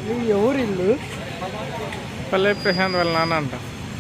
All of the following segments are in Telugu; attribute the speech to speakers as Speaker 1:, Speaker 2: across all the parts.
Speaker 1: ఎవరు ఇల్లు?
Speaker 2: పల్లె ప్రశాంత్ వాళ్ళ నాన్న అంట.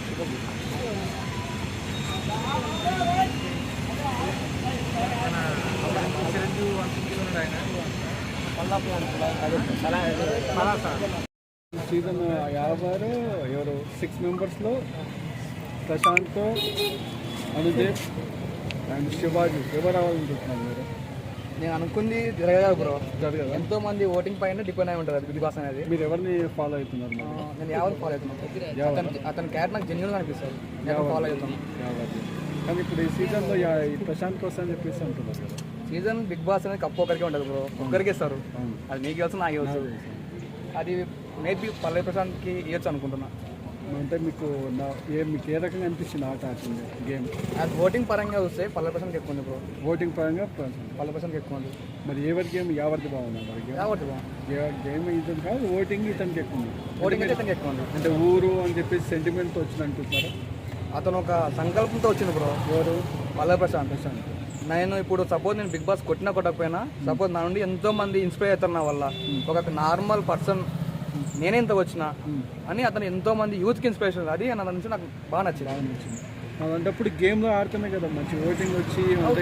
Speaker 1: సీజన్ 56 ఎవరు 6 మెంబర్స్లో ప్రశాంత్, అనుదీప్ అండ్ శివాజీ ఎవరు రావాలనుకుంటున్నారు మీరు?
Speaker 3: నేను అనుకుంది జరగదు బ్రో.
Speaker 1: జరగదు.
Speaker 3: ఎంతో మంది ఓటింగ్ పైన డిపెండ్ అయి ఉంటుంది అది బిగ్ బాస్ అనేది.
Speaker 1: మీరు ఎవరిని ఫాలో అవుతున్నారు?
Speaker 3: నేను ఎవరు ఫాలో అవుతున్నాను, అతని క్యారెక్టర్ నాకు జెన్యున్గా అనిపిస్తుంది, నేను ఫాలో అవుతాను.
Speaker 1: కానీ ఇప్పుడు ఈ సీజన్లో ఈ ప్రశాంత్ కోసం అని చెప్పేసి అంటున్నారు కదా.
Speaker 3: సీజన్ బిగ్ బాస్ అనేది కప్పు ఒకరికి ఉంటుంది బ్రో, ఒక్కరికి ఇస్తారు. అది నీకు తెలుసు, నాకు తెలుసు. అది మేబీ పల్లె ప్రశాంత్కి ఇవ్వచ్చు అనుకుంటున్నా.
Speaker 1: అంటే మీకు మీకు ఏ రకంగా అనిపించింది ఆట ఆడుతుంది గేమ్?
Speaker 3: అది ఓటింగ్ పరంగా చూస్తే పల్లె ప్రశాంత్కి ఎక్కువ ఉంది బ్రో.
Speaker 1: ఓటింగ్ పరంగా
Speaker 3: పల్లె ప్రశాంత్కి ఎక్కువ ఉంది.
Speaker 1: మరి ఎవరి గేమ్ ఎవరిది బాగుంది? మరి
Speaker 3: ఎవరిది బాగుంది?
Speaker 1: గేమ్ ఇతను కాదు, ఓటింగ్ ఇతనికి ఎక్కువ ఉంది.
Speaker 3: ఓటింగ్ అయితే ఇతనికి ఎక్కువ ఉంది.
Speaker 1: అంటే ఊరు అని చెప్పేసి సెంటిమెంట్తో వచ్చింది అనుకుంటున్నారు.
Speaker 3: అతను ఒక సంకల్పంతో వచ్చింది బ్రో.
Speaker 1: ఎవరు?
Speaker 3: పల్లె ప్రశాంత్. నేను ఇప్పుడు సపోజ్ నేను బిగ్ బాస్ కొట్టకపోయినా సపోజ్ నా నుండి ఎంతో మంది ఇన్స్పైర్ అవుతారు నా వల్ల. ఒక నార్మల్ పర్సన్ నేనే ఇంత వచ్చినా అని అతను ఎంతో మంది యూత్కి ఇన్స్పిరేషన్. అది నా నుంచి నాకు బాగా నచ్చింది.
Speaker 1: అలాంటప్పుడు గేమ్లో ఆడుతున్నాయి కదా, మంచి ఓటింగ్ వచ్చి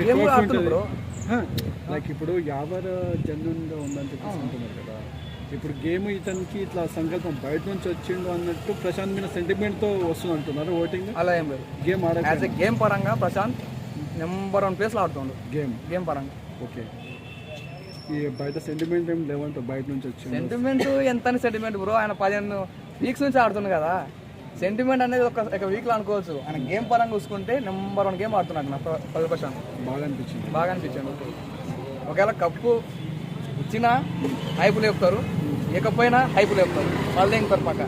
Speaker 1: లైక్ ఇప్పుడు ఎవరు జన్యున్గా ఉందని చెప్పేసి అంటున్నారు కదా. ఇప్పుడు గేమ్ ఇతనికి ఇట్లా సంకల్పం బయట నుంచి వచ్చిండు అన్నట్టు ప్రశాంత్ మీద సెంటిమెంట్తో వస్తుంది అంటున్నారు ఓటింగ్.
Speaker 3: అలా ఏం లేదు.
Speaker 1: గేమ్
Speaker 3: యాజ్ ఎ గేమ్ పరంగా ప్రశాంత్ నెంబర్ 1 ప్లేస్లో ఆడుతుండు గేమ్ పరంగా.
Speaker 1: ఓకే. ఈ బయట సెంటిమెంట్ ఏం లేవంట, బయట నుంచి వచ్చింది
Speaker 3: సెంటిమెంట్ ఎంత సెంటిమెంట్ బ్రో. ఆయన 15 వీక్స్ నుంచి ఆడుతుంది కదా. సెంటిమెంట్ అనేది ఒక వీక్లో అనుకోవచ్చు. ఆయన గేమ్ పరంగా చూసుకుంటే నెంబర్ 1 గేమ్ ఆడుతున్నాడు నా పల్లె ప్రశాంత్. బాగా అనిపించింది. ఒకవేళ కప్పు ఇచ్చినా హైపులు చెప్తారు, ఇకపోయినా హైపులు చెప్తారు, వాళ్ళు ఇంకొకరు పక్క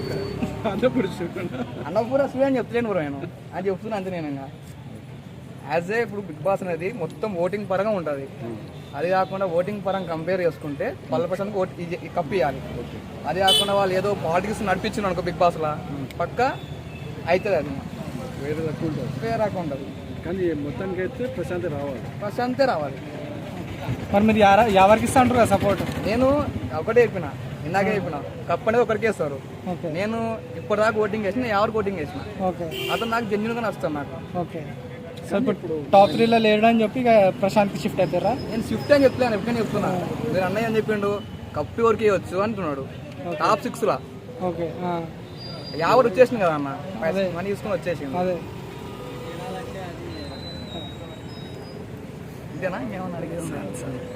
Speaker 3: అన్నపూర అని చెప్తలేను బ్రో. నేను అది చెప్తున్నా అంతే. నేను యాజ్ ఏ ఇప్పుడు బిగ్ బాస్ అనేది మొత్తం ఓటింగ్ పరంగా ఉంటుంది. అది కాకుండా ఓటింగ్ పరంగా కంపేర్ చేసుకుంటే పల్లె ప్రశాంత్కి కప్పు ఇవ్వాలి. అది కాకుండా వాళ్ళు ఏదో పాలిటిక్స్ నడిపించిన అనుకో బిగ్ బాస్లో పక్క అవుతుంది. అది వేరే రకం ఉంటుంది.
Speaker 1: కానీ మొత్తానికి అయితే
Speaker 3: ప్రశాంతే రావాలి.
Speaker 2: మరి మీరు ఎవరికి ఇస్తా అంటారు కదా సపోర్ట్?
Speaker 3: నేను ఒకటే చెప్పిన, ఇందాకే చెప్పిన, కప్ అనేది ఒకరికి వేస్తారు. నేను ఇప్పటిదాకా ఓటింగ్ వేసిన, ఎవరికి ఓటింగ్ వేసిన అతను నాకు జెన్యున్గా నచ్చుతాను నాకు.
Speaker 2: ఓకే. సో ఇప్పుడు టాప్ 3లో లేడు అని చెప్పి ప్రశాంత్కి షిఫ్ట్ అవుతారా?
Speaker 3: నేను షిఫ్ట్ అని చెప్తాను, ఎప్పుడైనా చెప్తున్నా. మీరు అన్నయ్య అని చెప్పిండు కప్పు ఎవరికి ఇవ్వచ్చు అంటున్నాడు. టాప్ 6లా
Speaker 2: ఓకే
Speaker 3: ఎవరు వచ్చేసింది కదా అన్న, మనీ తీసుకుని వచ్చేసింది.
Speaker 2: అదే
Speaker 3: ఇదేనా ఏమన్నా అడిగేది?